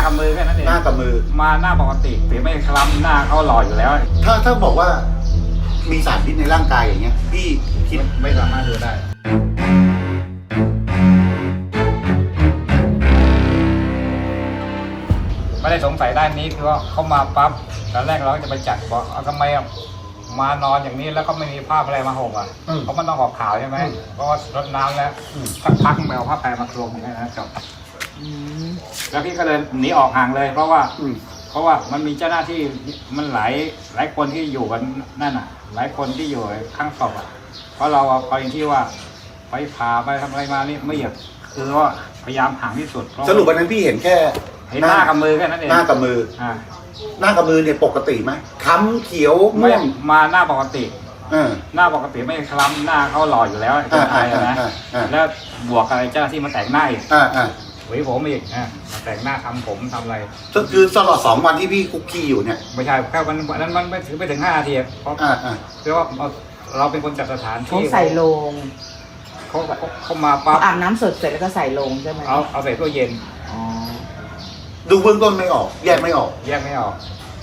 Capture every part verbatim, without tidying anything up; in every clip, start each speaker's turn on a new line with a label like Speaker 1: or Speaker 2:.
Speaker 1: กับมือแค่นั้นเอง
Speaker 2: หน้ากับมือ
Speaker 1: มาหน้าปกติฝีไม่คล้ำหน้าเขาหล่ออยู่แล้ว
Speaker 2: ถ้าถ้าบอกว่ามีสารพิษในร่างกายอย่างเงี้ยพี่คิด
Speaker 1: ไม่สามารถดูได้ไม่ได้สงสัยด้านนี้คือว่าเขามาปั๊บตอนแรกเราก็จะไปจัดบอกเอาทำไมอ่ะมานอนอย่างนี้แล้วก็ไม่มีผ้าอะไรมาห่มอ่ะเพราะมันต้องออกข่าวใช่ไหมเพราะว่ารดน้ำแล้วสักพักแมวผ้าแพรมาคลุมอย่างนี้นะจบแล้วพี่ก็เลยหนีออกห่างเลย เพราะว่าเพราะว่ามันมีเจ้าหน้าที่มันหลายหลายคนที่อยู่กันนั่นอ่ะ หลายคนที่อยู่ข้างศพอ่ะเพราะเรากรณีที่ว่าไปผ่าไปทำอะไรมานี่ไม่อยากคือว่าพยายามห่างที่สุด
Speaker 2: สรุปวันนั้นพี่เห็นแค่
Speaker 1: เห็นหน้ากับมือแค่นั้นเอง
Speaker 2: หน้ากับมือ
Speaker 1: อ่า
Speaker 2: หน้ากับมือเนี่ยปกติไหมค้ำเขียว
Speaker 1: ไม่
Speaker 2: ม่วง
Speaker 1: มาหน้าปกติ
Speaker 2: เออ
Speaker 1: หน้าปกติไม่คล้ำหน้าเขาหล่ออยู่แล้วคนไทยอะนะ
Speaker 2: อ่าอ่าอ่า
Speaker 1: แล้วบวกอะไรเจ้าหน้าที่มาแต่งหน้าอีก
Speaker 2: อ่าอ่า
Speaker 1: หวีผมอีกอ่ามาแต่งหน้าทำผมทำอะไร
Speaker 2: ก็คือตลอดสองวันที่พี่คุกคีอยู่เนี่ย
Speaker 1: ไม่ใช่แค่วันวันนั้นมันไม่ถึงไม่ถึงห้านาทีเพราะ
Speaker 2: อ่าอ่า
Speaker 1: เพราะว่าเราเราเป็นคนจัดสถาน
Speaker 3: เขา
Speaker 1: ที่
Speaker 3: ใส่โลง
Speaker 1: เขาเขาเขามาปั๊บ
Speaker 3: อาบน้ำสดเสร็จแล้วก็ใส่โลงใช่ไหม
Speaker 1: เอาเอาใส่ตู้เย็น
Speaker 3: อ๋อ
Speaker 2: ดูเบื้องต้นไม่ออก แยกไม่ออก
Speaker 1: แยกไม่ออก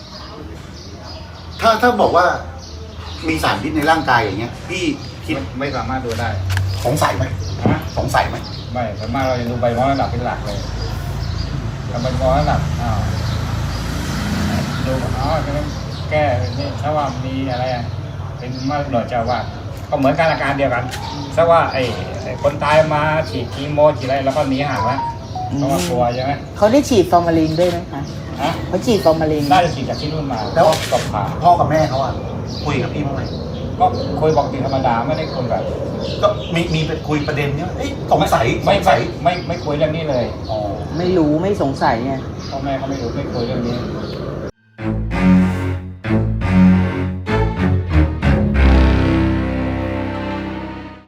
Speaker 2: ถ้าถ้าบอกว่ามีสารพิษในร่างกายอย่างเงี้ยพี่คิด
Speaker 1: ไม่ไม่สามารถดูได้
Speaker 2: สงสัยไหม
Speaker 1: นะ
Speaker 2: สงสัยไหม
Speaker 1: ไม่ส่วนมากเราจะดูใบมอระดับเป็นหลักเลยเอาใบมอระดับอ้าวดูอ๋อแก้นี่ถ้าว่ามีอะไรอ่ะเป็นมะเร็งเจ้าว่าก็เหมือนกันอาการเดียวกันถ้าว่าไอ้ไอ้คนตายมาฉีดคีโมฉีดอะไรแล้วก็หนีห่างแล้วเพราะว่ากลัวใช่ไหม
Speaker 3: เขาได้ฉีดฟอร์มาลินด้วยไหมคะ
Speaker 1: ฮะ
Speaker 3: เขาฉีดฟอร์มาลิน
Speaker 1: น่าจะฉีดจากที่นู่นมาแล้วก็ผ่า
Speaker 2: พ่อกับแม่เขาอะคุยกับพี่บ้างไหม
Speaker 1: ก็คุยปกติธรรมดาไม่ได้คุยแบบ
Speaker 2: ก็มีมีเป็นคุยประเด็นเนี้ยเอ้ยสงสัย
Speaker 1: ไม่
Speaker 2: สง
Speaker 1: ไม่
Speaker 2: สัย
Speaker 1: ไม่ไม่คุยเรื่องนี้เลย
Speaker 2: อ๋อ
Speaker 3: ไม่รู้ไม่สงสัยไง
Speaker 1: พ่อแม่เขาไม่รู้ไม่คุยเรื่องนี้